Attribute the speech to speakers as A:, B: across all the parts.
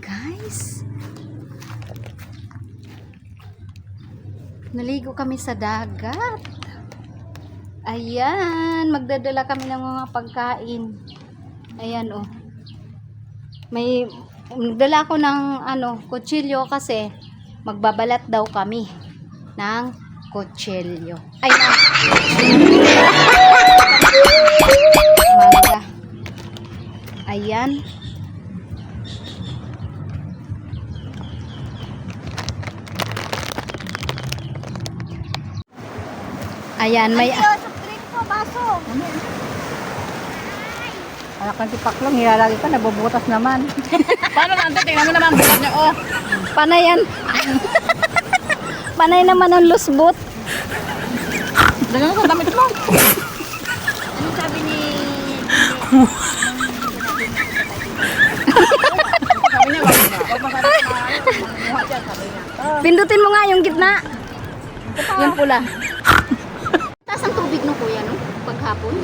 A: guys. Naligo kami sa dagat. Ayan, magdadala kami ng mga pagkain. Ayan oh. May nagdala ko ng kutsilyo kasi magbabalat daw kami ng kutsilyo. Ay, mangga. Ayan. Ayan, may
B: baso.
C: Anak ng tipaklong, hilalagi ka, nabubutas naman.
B: Paano nante? Tingnan mo naman bukas niya. Oh.
A: panay yan. Panay naman ang lusbot.
B: Dagyan mo sa damit mo.
C: Ano sabi ni...
B: Sabi niya, wag masarap na dyan, sabi niya.
A: Pindutin mo nga yung gitna. Yung pula. Taas ang tubig no kuya no? Paghapon.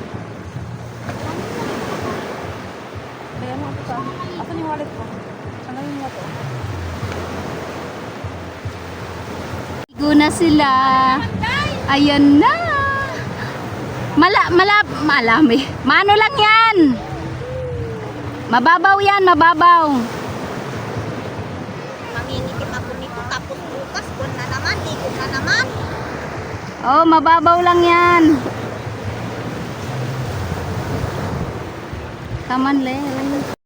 B: Kaya mo ito sa... Asan yung wallet ko? Ano yung mo to?
A: Ligo na sila. Ayan na. Malami. Mano lang yan. Mababaw yan, mababaw.
C: Mangingitim ako nito, tapos bukas, buwan na naman, ligo na naman.
A: Oh, mababaw lang yan. Come on, Len.